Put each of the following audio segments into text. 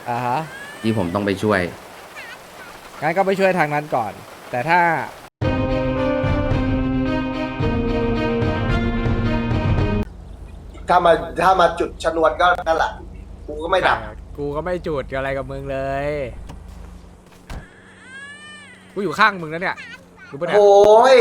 อ่าฮะที่ผมต้องไปช่วยงั้นก็ไปช่วยทางนั้นก่อน แต่ถ้าถ้ามาถ้ามาจุดชนวนก็นั่นแหละกูก็ไม่ดับกูก็ไม่จุดอะไรกับมึงเลยกูอยู่ข้างมึงแล้วเนี่ยรู้ปะเนี่ยโอ้ย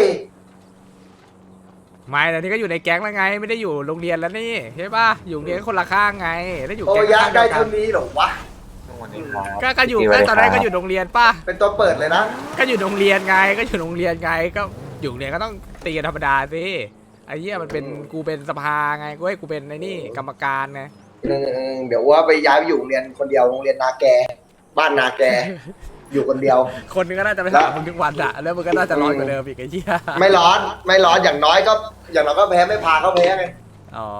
ไม่แต่นี่ก็อยู่ในแก๊งแล้วไงไม่ได้อยู่โรงเรียนแล้วนี่ใช่ปะอยู่โรงเรียนคนละข้างไงแล้วอยู่โอ้แก๊งยะข้างเดีได้ยวกัเท่าน นี้เหรอวะก็อยู่ก็ตอนแรกก็อยู่โรงเรียนป่ะเป็นตัวเปิดเลยนะก็อยู่โรงเรียนไงก็อยู่โรงเรียนไงก็อยู่โรงเรียนก็ต้องตีกันธรรมดาสิไอ้เหี้ยมันเป็นกูเป็นสภาไงกูเป็นไอ้นี่กรรมการไงเดี๋ยวว่าไปย้ายไปอยู่โรงเรียนคนเดียวโรงเรียนนาแกบ้านนาแก อยู่คนเดียวคนนึงก็น่าจะไปถามมึงทุกวันอะแล้วมึงก็น่าจะร้อนกว่าเดิมอีกไอ้เหี้ยไม่ร้อนไม่ร้อนอย่างน้อยก็แพ้ไม่พาเขาแพ้ไงอ๋อ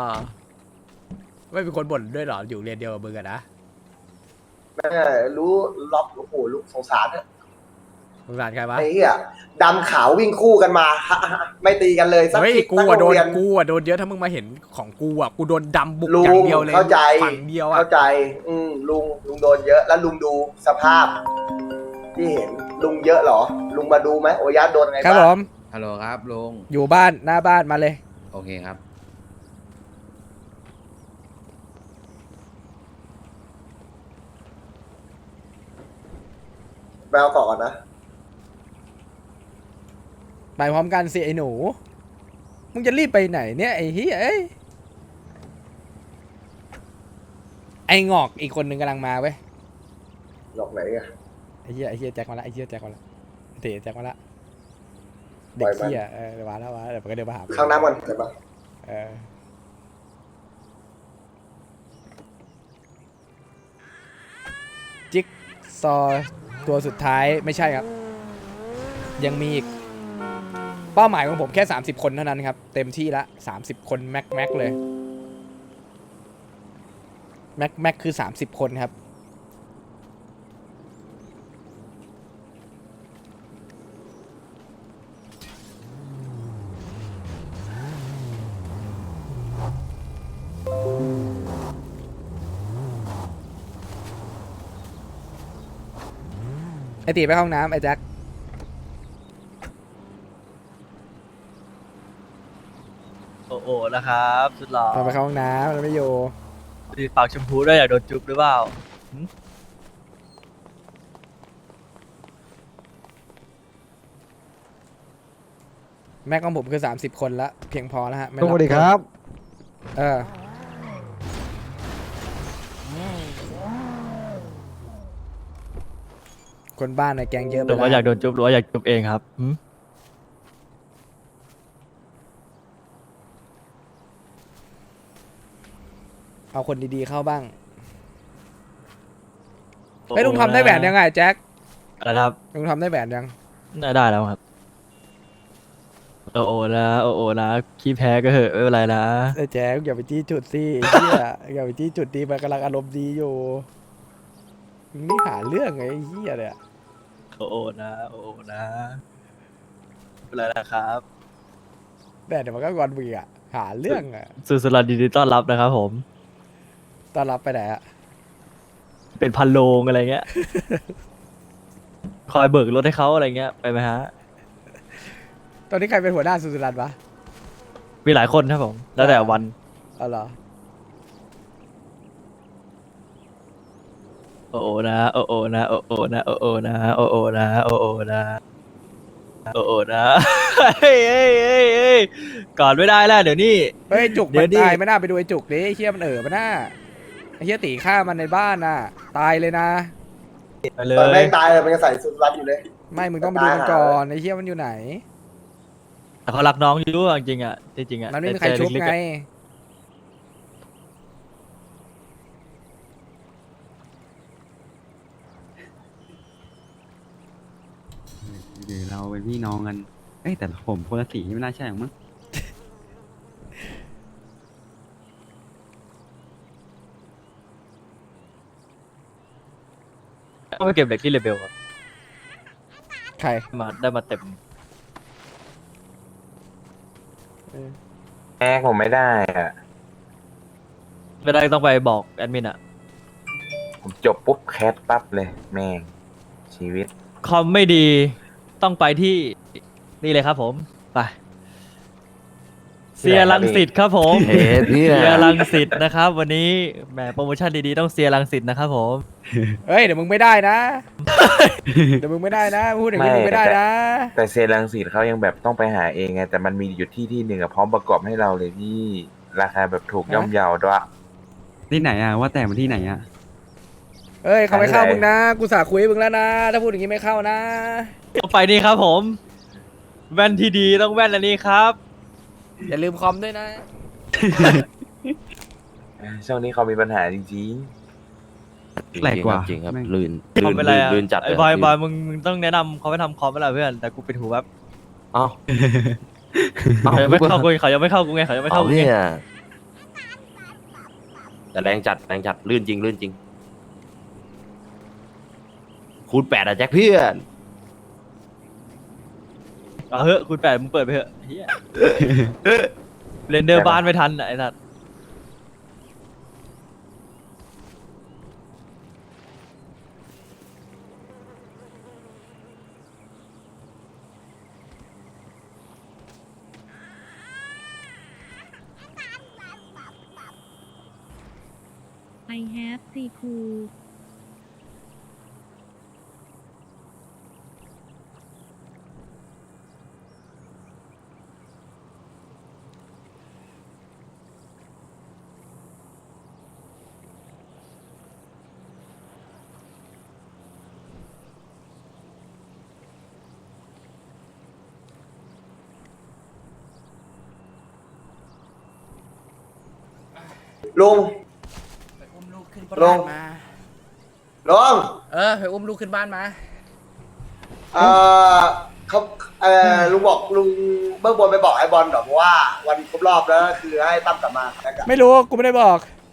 ไม่เป็นคนบ่นด้วยเหรออยู่เรียนเดียวกับมึงอะนะแม่รู้ล็อกโอ้โหลูกสงสารเนี่ยสงสารใครวะไอ้เหี้ยดำขาววิ่งคู่กันมา ไม่ตีกันเลยสักเฮ้ยทีกูสัอะโรโดงนเรียนเยอะถ้ามึงมาเห็นของกูอะกูโดนดำบุกลุอง ย่างเดียวเลยเข้าใจฝั่งเดียวอะเข้าใจ ลุงโดนเยอะแล้วลุงดูสภาพ ที่เห็นลุงเยอะเหรอ ลุงมาดูไหมโอยะโดนไงครับบ้างผมฮัลโหลครับลุงอยู่บ้านหน้าบ้านมาเลยโอเคครับไปเอาก่อนนะไปพร้อมกันสิไอ้หนู มึงจะรีบไปไหนเนี่ยไอ้เฮียเอ้ยไอ้งอกอีกคนนึงกำลังมาเว้ยหลอกไหนอะไอ้เฮียแจ็คมาละไอ้เฮียแจ็คมาละเตะแจ็คมาละปล่เด็อก ยมันเฮียเดี๋ยวมาแล้วเดี๋ยวมันก็เดินมาหาข้างน้ำมันเห็นปะเออจิ๊กซอว์ตัวสุดท้ายไม่ใช่ครับ ยังมีอีกเป้าหมายของผมแค่30คนเท่านั้นครับเต็มที่ละ30คนแม็กเลยแม็กคือ30คนครับไอตีไปห้องน้ำไอแจ็คโอ้โหนะครับสุดหล่อตอนไปเข้าห้องน้ำแล้วไม่อยู่มีปากชมพูด้วยอยากโดนจุ๊บหรือเปล่าหึแม็กของผมคือ30คนละเพียงพอแล้วฮะไม่สวัสดีครับเออคนบ้านในแกงเยอะไปหรือว่าแล้วอยากโดนจุ๊บหรือว่าอยากจุ๊บเองครับหึเอาคนดีๆเข้าบ้างไอ้ยลุงทำได้แหวนยังไงแจ็คอะไรนะครับลุงทำได้แหวนยังได้แล้วครับโอ้โหนะโอ้โหนะขี้แพ้ก็เหอะไม่เป็นไรนะไอ้แจ็คอย่าไปจี้จุดสิไอ้เหี้ยอย่าไปจี้จุดดีมันกำลังอารมณ์ดีอยู่มึงนี่หาเรื่องไงไอ้เหี้ยเนี่ยโอ้โหนะโอ้โหนะไม่เป็นไรนะครับแต่เดี๋ยวมันก็งอนมึงอ่ะหาเรื่องอ่ะสุดสลัดดีดีต้อนรับนะครับผมต้อนรับไปไหนอ่ะเป็นพันโลงอะไรเงี้ย คอยเบิกรถให้เขาอะไรเงี้ยไปไหมฮะตอนนี้ใครเป็นหัวหน้าสุสุรันวะมีหลายคนครับผม แล้วแต่วันอ๋อเหรอโอ้โหนะโอ้โหนะโอ้โหนะโอ้โหนะโอ้โหนะโอ้โหนะโอ้โหนะเฮ้ยเฮ้ยเฮ้ยเฮ้ยก่อนไม่ได้แล้วเดี๋ยวนี้เฮ้ยจุกเดี๋มัยวน ดิตายไม่น่าไปดูไอ้จุกดิไอ้เฮียมันมันน่าไอ้เฮียตีฆ่ามันในบ้านน่ะ ตายเลยนะไปเลตอนแม่ยงตายเลยมันยังใส่สุดรัดอยู่เลยไม่มึงต้องไปดูมันก่อนไอ้เฮียมันอยู่ไหนแต่เขารักน้องอยู่จริงๆอ่ะจริงๆอ่ะมันไม่มีใครชุบแต่ไงลึกๆอะหรือเราเป็นพี่น้องกัน เอ้ยแต่ผมคนละสีไม่น่าใช่หรอกมั้งต้องไปเก็บเหล็กที่เลเบลครับใครได้มาเต็มแม่ผมไม่ได้อะไม่ได้ต้องไปบอกแอดมินอ่ะผมผมจบปุ๊บแคสปั๊บเลยแม่งชีวิตคอมไม่ดีต้องไปที่นี่เลยครับผมไปเซียรังสิตครับผมเฮ้ยเนี่ยเซียรังสิตนะครับ วันนี้แหมโปรโมชั่นดีๆต้องเซียรังสิตนะครับผมเฮ้ยเดี๋ยวมึงไม่ได้นะ เดี๋ยวมึงไม่ได้นะพูดอย่างนี้มึงไม่ได้นะแต่เซรังสีเขายังแบบต้องไปหาเองไงแต่มันมีอยู่ที่หนึ่งอะพร้อมประกอบให้เราเลยพี่ราคาแบบถูกย่อมเยาด้วยที่ไหนอะว่าแต่มันที่ไหนอะเฮ้ยเขาไม่เข้าอะไรมึงนะกูสาคุยมึงแล้วนะถ้าพูดอย่างนี้ไม่เข้านะต้องไปนี่ครับผม แว่นที่ดีต้องแว่นอันนี้ครับอย่าลืมคอมด้วยนะช่วงนี้เขามีปัญหาจริงแปลกกว่าจริงครับแม่งลื่นคอมเป็นไรอะลื่นจัดไอ้บอยบอยมึงต้องแนะนำเขาไปทำคอมไปแล้วเพื่อนแต่กูปิดหูแบบอ้าวเขายังไม่เข้ากูเขายังไม่เข้ากูไงเขายังไม่เข้ากูไงเนี่ยแต่แรงจัดลื่นจริงลื่นจริง คูณ 8อะแจ็คเพื่อนเอาเฮ้ยคุณแปดมึงเปิดไปเถอะเฮียเรนเดอร์บ้านไม่ทันไอ้สัตว์ I have ซีคูลุงไปอุ้มลูกขึ้นลบ้าง นมาลุงไปอุ้มลูกขึ้นบ้านมาเออเขาลุงบอกลุงเบื้องบนไปบอกไอ้บอลหรอกว่าวันครบรอบแล้วคือให้ตั้มกลับมาแล้วกันไม่รู้กูไม่ได้บอก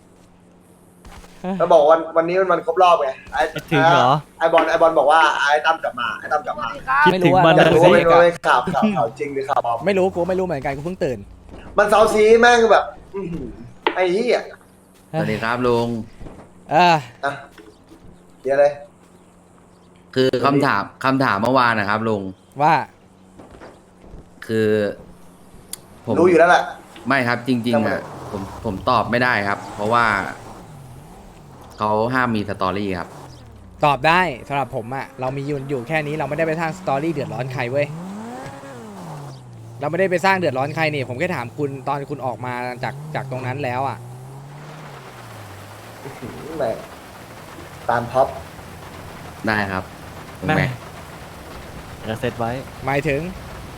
แล้วบอกวันนี้มันวันครบรอบไงไอ้ถึงเหรอไอ้บอลบอกว่าไอ้ตั้มกลับมาไอ้ตั้มกลับมาคิดถึงมันอยากนะรู้สิว่าไม่รู้ข่าวจริงหรือข่าวปลอมไม่รู้กูไม่รู้เหมือนกันกูเพิ่งตื่นมันเซาซีแม่งแบบอื้อหือไอ้เหี้ยสวัสดีครับลุงอ่ะอ่ะเดี๋ยวเลยคือคำถามเมื่อวานนะครับลุงว่าคือผมรู้อยู่แล้วแหละไม่ครับจริง ๆ อ่ะ ผมตอบไม่ได้ครับ เพราะว่าเขาห้ามมีสตอรี่ครับตอบได้สำหรับผมอะเรามีอยู่แค่นี้เราไม่ได้ไปสร้างสตอรี่เดือดร้อนใครเว้ยเราไม่ได้ไปสร้างเดือดร้อนใครนี่ผมแค่ถามคุณตอนคุณออกมาจากตรงนั้นแล้วอะแม่งตามท็อปได้ครับลุงแม่แม็กจะเซตไว้หมายถึง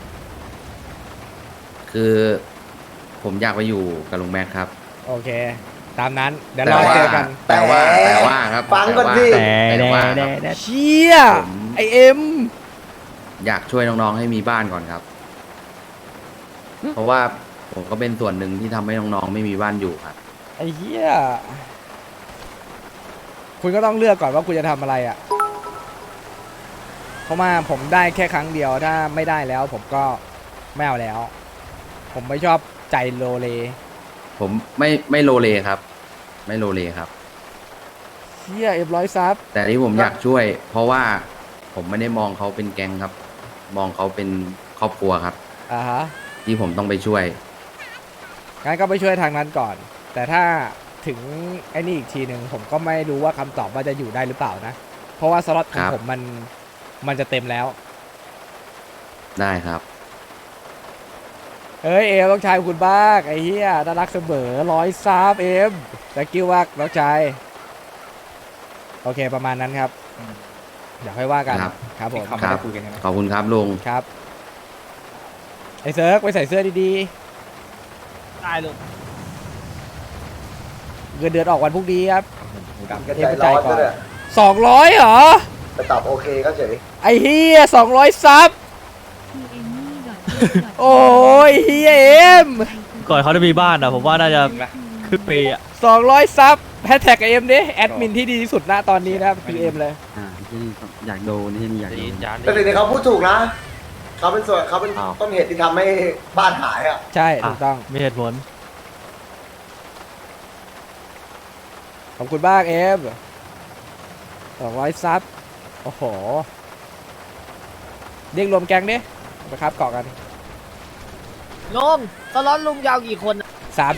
คือผมอยากไปอยู่กับลุงแม็กครับโอเค ตามนั้นเดี๋ยวรอเจอกันแต่ว่าครับฟังก่อนดิแต่ว่าครับเชี่ยผมไอเอ็มอยากช่วยน้องๆให้มีบ้านก่อนครับ เพราะว่าผมก็เป็นส่วนหนึ่งที่ทำให้น้องๆไม่มีบ้านอยู่ครับไอเหี้ยคุณก็ต้องเลือกก่อนว่าคุณจะทำอะไรอะเพราะว่าผมได้แค่ครั้งเดียวถ้าไม่ได้แล้ว ผมก็ไม่เอาแล้ว ผมไม่ชอบใจโลเลผมไม่โลเลครับ ไม่โลเลครับเชี่ยเอ็มร้อยซับแต่ที่ผมอยากช่วย เพราะว่าผมไม่ได้มองเขาเป็นแก๊งครับ มองเขาเป็นครอบครัวครับอ่าฮะที่ผมต้องไปช่วยงั้นก็ไปช่วยทางนั้นก่อน แต่ถ้าถึงไอ้นี่อีกทีหนึ่งผมก็ไม่รู้ว่าคำตอบว่าจะอยู่ได้หรือเปล่านะ เพราะว่าสล็อตของครับผมมันจะเต็มแล้วได้ครับเอ้ยเอ็มต้องชายคุณบ้างไอ้เหี้ยน่ารักเสมอร้อยซับเอ็มแต่กิ้วว่าน้องชายโอเคประมาณนั้นครับเดี๋ยวค่อยว่ากันครับครับผมครับ ขอบคุณครับลุงครับไอ้เซิร์กไปใส่เสื้อดีได้ลูกๆเงินเดือนออกวันพรุ่งนี้ครับก็ใจร้อนด้วย 200เหรอไปตอบโอเคก็เฉยไอ้เฮีย200ซับทีเอ็มนี่ดอทโอ้ยเฮียเอ็มก่อนเขาจะมีบ้านอ่ะผมว่าน่าจะครึ่งปีอ่ะ 200ซับแฮชแท็กเอ็มดิแอดมินที่ดีที่สุดณตอนนี้นะครับคือเอ็มเลยที่อยากโดนที่นี่อยากโดนแต่สิ่งที่เขาพูดถูกนะเขาเป็นต้นเหตุที่ทำให้บ้านหายอ่ะใช่ถูกต้องมีเหตุผลขอบคุณมากเอ็ม 200ซับโอ้โหเรียกรวมแก๊งดิไปครับเกาะกันลุงตลอดลุงยาวกี่คนน่ะ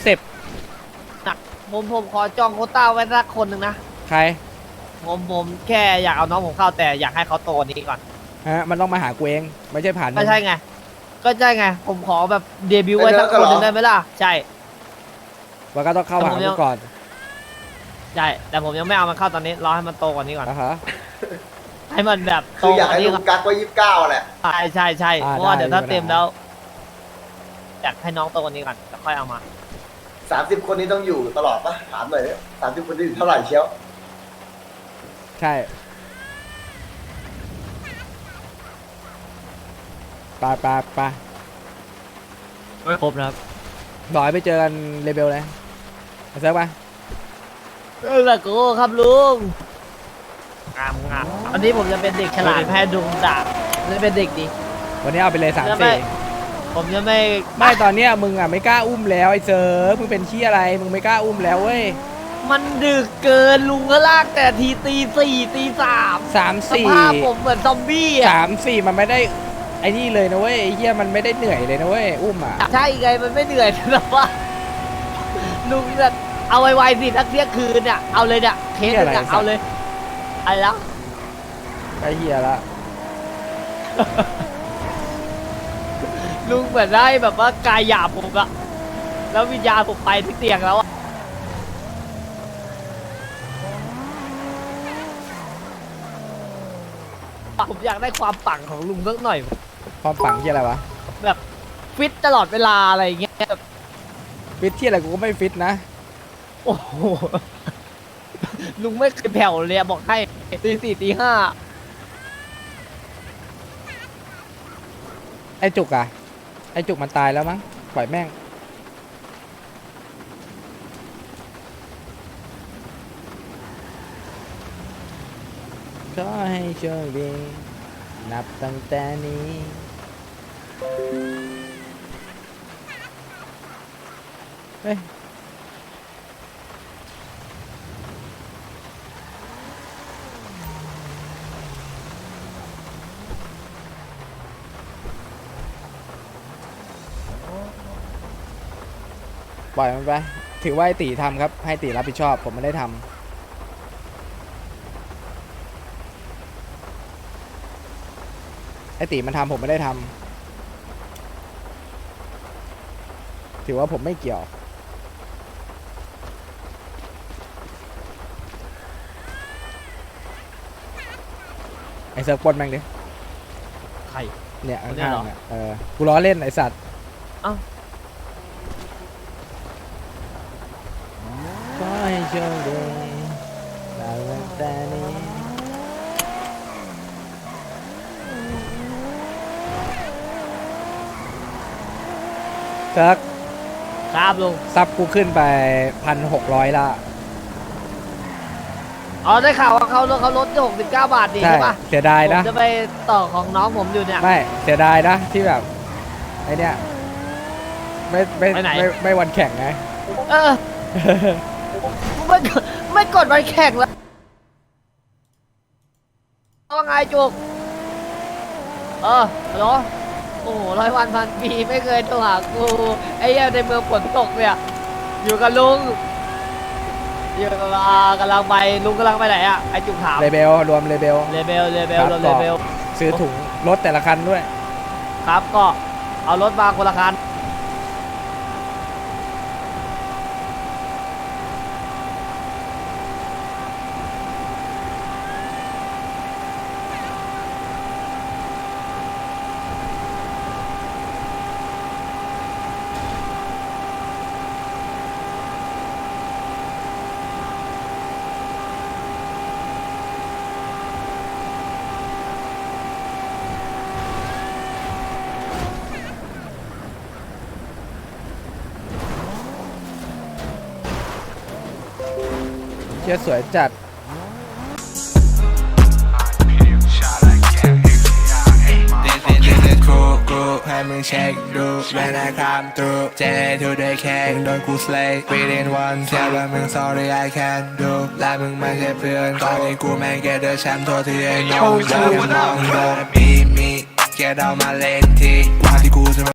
30 ผมขอจองโควต้าไว้สักคนหนึ่งนะใครผมแค่อยากเอาน้องผมเข้าแต่อยากให้เขาโตกว่านี้ก่อนฮะมันต้องมาหากูเองไม่ใช่ผ่านมึก็งใช่ไง ผมขอแบบเดบิวต์ไว้สักคนหนึ่งได้ไหมล่ะ ใช่มันก็ต้องเข้าหากูก่อนใช่ แต่ผมยังไม่เอามันเข้าตอนนี้ รอให้มันโตกว่านี้ก่อนอ่ะฮะให้มันแบบโตคืออยากกว่าให้นี้ลุก่อนงกักไว้29แหละใช่อ่าเพราะว่าได้เดี๋ยวถ้าไม่เป็นไรเต็มแล้ว อยากให้น้องโตกว่านี้ก่อนแล้วค่อยเอามา 30 คนนี้ต้องอยู่ตลอดปะถามหน่อยดิ30 คนนี้อยู่เท่าไหร่เชียวใช่ไปไม่ครบนะครับบอกให้ไปเจอกันเลเบลเลยมาเซิร์ฟไปละกูครับลุงงามอันนี้ผมจะเป็นเด็กฉลาดแพ้ดุงดาบจะเป็นเด็กดีวันนี้เอาไปเลยจะไม่ 3-4 ผมจะไม่ไม่ตอนเนี้ยมึงอ่ะไม่กล้าอุ้มแล้วไอ้เซิร์ฟมึงเป็นขี้อะไรมึงไม่กล้าอุ้มแล้วเว้ยมันดึกเกินลุงก็ลากแต่ทีตี 4 ตี 3 สภาพผมเหมือนซอมบี้อ่ะ 3-4มันไม่ได้ไอ้นี่เลยนะเว้ยไอ้เหี้ยมันไม่ได้เหนื่อยเลยนะเว้ยอุ้มอ่ะใช่ไงมันไม่เหนื่อยแต่ว่าลุงจะเอาไวๆสิทักเที่ยงคืนเนี่ยเอาเลยเนี่ยเคสเนี่ยเอาเลยอะไรแล้วไอ้เหี้ยละลุงเหมือนได้แบบว่ากายหยาบผมอะแล้ววิญญาณผมไปที่เตียงแล้วอะผมอยากได้ความปังของลุงสักหน่อยความปังที่อะไรวะแบบฟิตตลอดเวลาอะไรอย่างเงี้ยแบบฟิตที่อะไรกูก็ไม่ฟิตนะโอ้โหลุงไม่เคยแผ่วเลยอะบอกให้ตี 4 ตีไอ้จุกอ่ะไอ้จุกมันตายแล้วมั้งปล่อยแม่งขอให้โชคดีนับตั้งแต่นี้เฮ้ยปล่อยมันไปถือว่าไอ้ตีทำครับให้ตีรับผิดชอบผมไม่ได้ทำไอ้ตีมันทำผมไม่ได้ทำถือว่าผมไม่เกี่ยวไอ้เซิร์ฟปล้นแม่งดิ 5ใครเนี่ยคนเนี่ยข้างเหรอๆเนี่ยกูล้อเล่นไอ้สัตว์เอ้าขอให้โชคดีนับตั้งแต่นี้เซิร์ฟครับลุงซับกูขึ้นไป1,600ละอ๋อได้ข่าวว่าเขาลด69 บาทดีใช่ใช่ปะเสียดายผมนะจะไปต่อของน้องผมอยู่เนี่ยไม่เสียดายนะที่แบบไอเนี้ยไม่ไปไหนไม่วันแข่งไงเออ ไม่กดวันแข่งแล้วว่าไงจุกฮัลโหลโอ้โห100 วัน 1,000 ปีไม่เคยโทรหากูไอ้เหี้ยในเมืองฝนตกเนี่ยอยู่กับลุงอยู่กับกำลังไปลุงกำลังไปไหนอ่ะไอ้จุกถามเลเบลรวมเลเบลเลเบลครับเลเบลซื้อถุงรถแต่ละคันด้วยครับก็เอารถมาคนละคันเชื่อสวยจัด This is cool, cool, hey. มึงเช็คดู When I come through เจทูได้แค่โดนกู slay within one เชื่อว่ามึง sorry I can't do และมึงไม่ใช่เพื่อนตอนนี้กูแม่งแค่เดอะแชมป์โทษที่ไอ้น้องเดินมองโดนบีมีแกเดามาเล่นทีว่าที่กูจะ